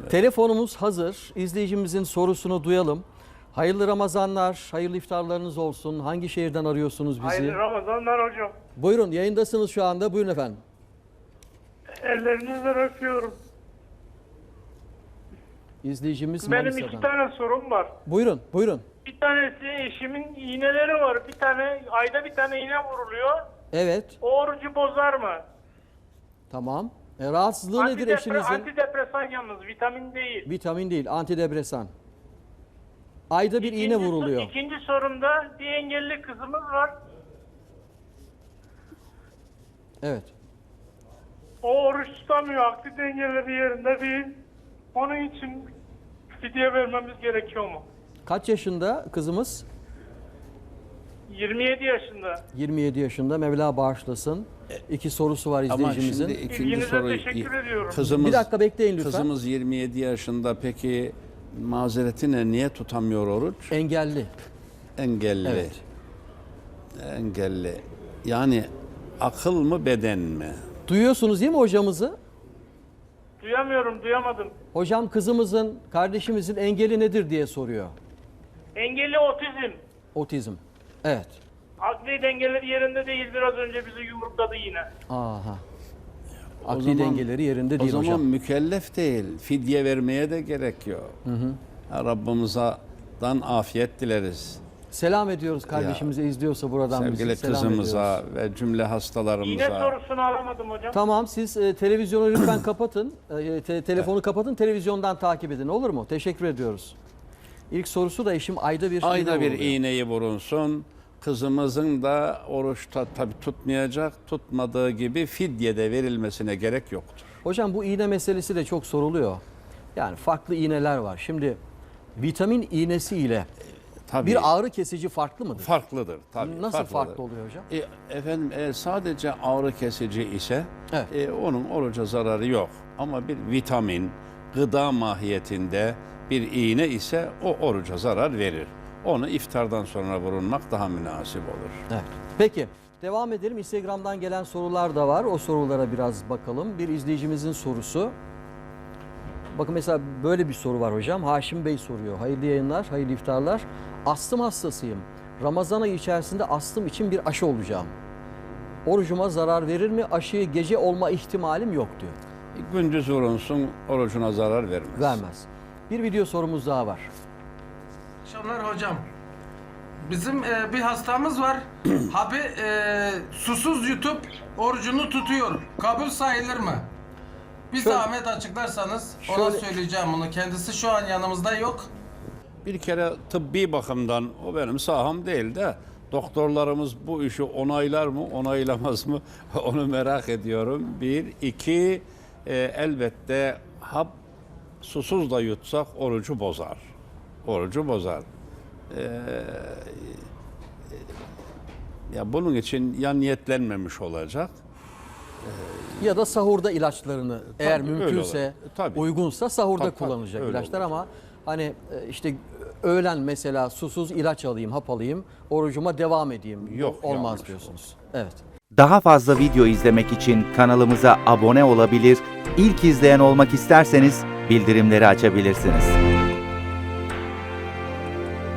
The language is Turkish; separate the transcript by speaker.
Speaker 1: Telefonumuz hazır. İzleyicimizin sorusunu duyalım. Hayırlı Ramazanlar, hayırlı iftarlarınız olsun. Hangi şehirden arıyorsunuz bizi?
Speaker 2: Hayırlı Ramazanlar hocam.
Speaker 1: Buyurun, yayındasınız şu anda. Buyurun efendim.
Speaker 2: Ellerinizden öpüyorum.
Speaker 1: İzleyicimiz
Speaker 2: Benim
Speaker 1: Manisa'dan.
Speaker 2: 2 tane sorum var.
Speaker 1: Buyurun, buyurun.
Speaker 2: Bir tanesi eşimin iğneleri var. Bir tane ayda bir tane iğne vuruluyor.
Speaker 1: Evet,
Speaker 2: O orucu bozar mı?
Speaker 1: tamam. Rahatsızlığı nedir eşinizin?
Speaker 2: Antidepresan yalnız, vitamin değil.
Speaker 1: Vitamin değil, antidepresan. Ayda bir iğne vuruluyor.
Speaker 2: İkinci sorumda bir engelli kızımız var.
Speaker 1: Evet.
Speaker 2: O oruç tutamıyor. Akli dengeleri yerinde değil. Onun için fidye vermemiz gerekiyor mu?
Speaker 1: Kaç yaşında kızımız?
Speaker 2: 27 yaşında.
Speaker 1: 27 yaşında. Mevla bağışlasın. İki sorusu var
Speaker 3: Ama
Speaker 1: izleyicimizin.
Speaker 3: şimdi ikinci
Speaker 2: İlginize
Speaker 3: soru.
Speaker 2: teşekkür ediyorum.
Speaker 1: Bir dakika bekleyin lütfen.
Speaker 3: Kızımız 27 yaşında, peki mazeretine niye tutamıyor oruç?
Speaker 1: Engelli.
Speaker 3: Engelli.
Speaker 1: Evet.
Speaker 3: Engelli. Yani akıl mı beden mi?
Speaker 1: Duyuyorsunuz değil mi hocamızı?
Speaker 2: Duyamadım.
Speaker 1: Hocam kızımızın, kardeşimizin engeli nedir diye soruyor.
Speaker 2: Engelli otizm.
Speaker 1: Otizm. Evet.
Speaker 2: Akli dengeleri yerinde değil. Biraz önce bizi yumrukladı yine.
Speaker 1: Aha.
Speaker 3: O
Speaker 1: Akli
Speaker 3: zaman-
Speaker 1: dengeleri yerinde değil
Speaker 3: O zaman
Speaker 1: hocam.
Speaker 3: mükellef değil. Fidye vermeye de gerek yok. Rabbimizden afiyet dileriz.
Speaker 1: Selam ediyoruz kardeşimize, izliyorsa buradan
Speaker 3: Sevgili
Speaker 1: bizi. Selam
Speaker 3: kızımıza
Speaker 1: ediyoruz.
Speaker 3: ve cümle hastalarımıza.
Speaker 2: İğne sorusunu alamadım hocam.
Speaker 1: Tamam, siz televizyonu lütfen kapatın. Telefonu kapatın, televizyondan takip edin, olur mu? Teşekkür ediyoruz. İlk sorusu da eşim ayda bir
Speaker 3: Ayda bir
Speaker 1: vuruluyor.
Speaker 3: iğneyi vurunsun. Kızımızın da oruçta tabii tutmayacak, tutmadığı gibi fidye de verilmesine gerek yoktur.
Speaker 1: Hocam bu iğne meselesi de çok soruluyor. Yani farklı iğneler var. Şimdi vitamin iğnesi ile
Speaker 3: Tabii
Speaker 1: bir ağrı kesici farklı mıdır?
Speaker 3: farklıdır. Tabii,
Speaker 1: Nasıl
Speaker 3: farklıdır.
Speaker 1: farklı oluyor hocam?
Speaker 3: Efendim sadece ağrı kesici ise
Speaker 1: Evet.
Speaker 3: onun oruca zararı yok. Ama bir vitamin, gıda mahiyetinde bir iğne ise o oruca zarar verir. Onu iftardan sonra vurulmak daha münasip olur.
Speaker 1: Evet. Peki devam edelim. Instagram'dan gelen sorular da var. O sorulara biraz bakalım. Bir izleyicimizin sorusu. Bakın mesela böyle bir soru var hocam. Haşim Bey soruyor. Hayırlı yayınlar, hayırlı iftarlar. Astım hastasıyım. Ramazan ayı içerisinde astım için bir aşı olacağım. Orucuma zarar verir mi? Aşıyı gece olma ihtimalim yok diyor.
Speaker 3: Gündüz vurunsun, orucuna zarar vermez.
Speaker 1: Vermez. Bir video sorumuz daha var.
Speaker 4: Akşamlar hocam. Bizim bir hastamız var. Abi susuz yutup orucunu tutuyor. Kabul sayılır mı? Bir
Speaker 1: Şöyle-
Speaker 4: zahmet açıklarsanız ona
Speaker 1: Şöyle-
Speaker 4: söyleyeceğim bunu. Kendisi şu an yanımızda yok.
Speaker 3: Bir kere tıbbi bakımdan o benim saham değil de doktorlarımız bu işi onaylar mı, onaylamaz mı onu merak ediyorum. Bir, iki, elbette hap susuz da yutsak orucu bozar. Orucu bozar. Ya bunun için ya niyetlenmemiş olacak.
Speaker 1: Ya da sahurda ilaçlarını eğer
Speaker 3: öyle
Speaker 1: mümkünse,
Speaker 3: olur. Tabii.
Speaker 1: uygunsa sahurda
Speaker 3: Tabii,
Speaker 1: kullanacak
Speaker 3: öyle
Speaker 1: ilaçlar
Speaker 3: olur.
Speaker 1: ama hani işte öğlen mesela susuz ilaç alayım, hap alayım, orucuma devam edeyim.
Speaker 3: Yok,
Speaker 1: Olmaz
Speaker 3: yanlış
Speaker 1: diyorsunuz. Evet.
Speaker 5: Daha fazla video izlemek için kanalımıza abone olabilir, ilk izleyen olmak isterseniz bildirimleri açabilirsiniz.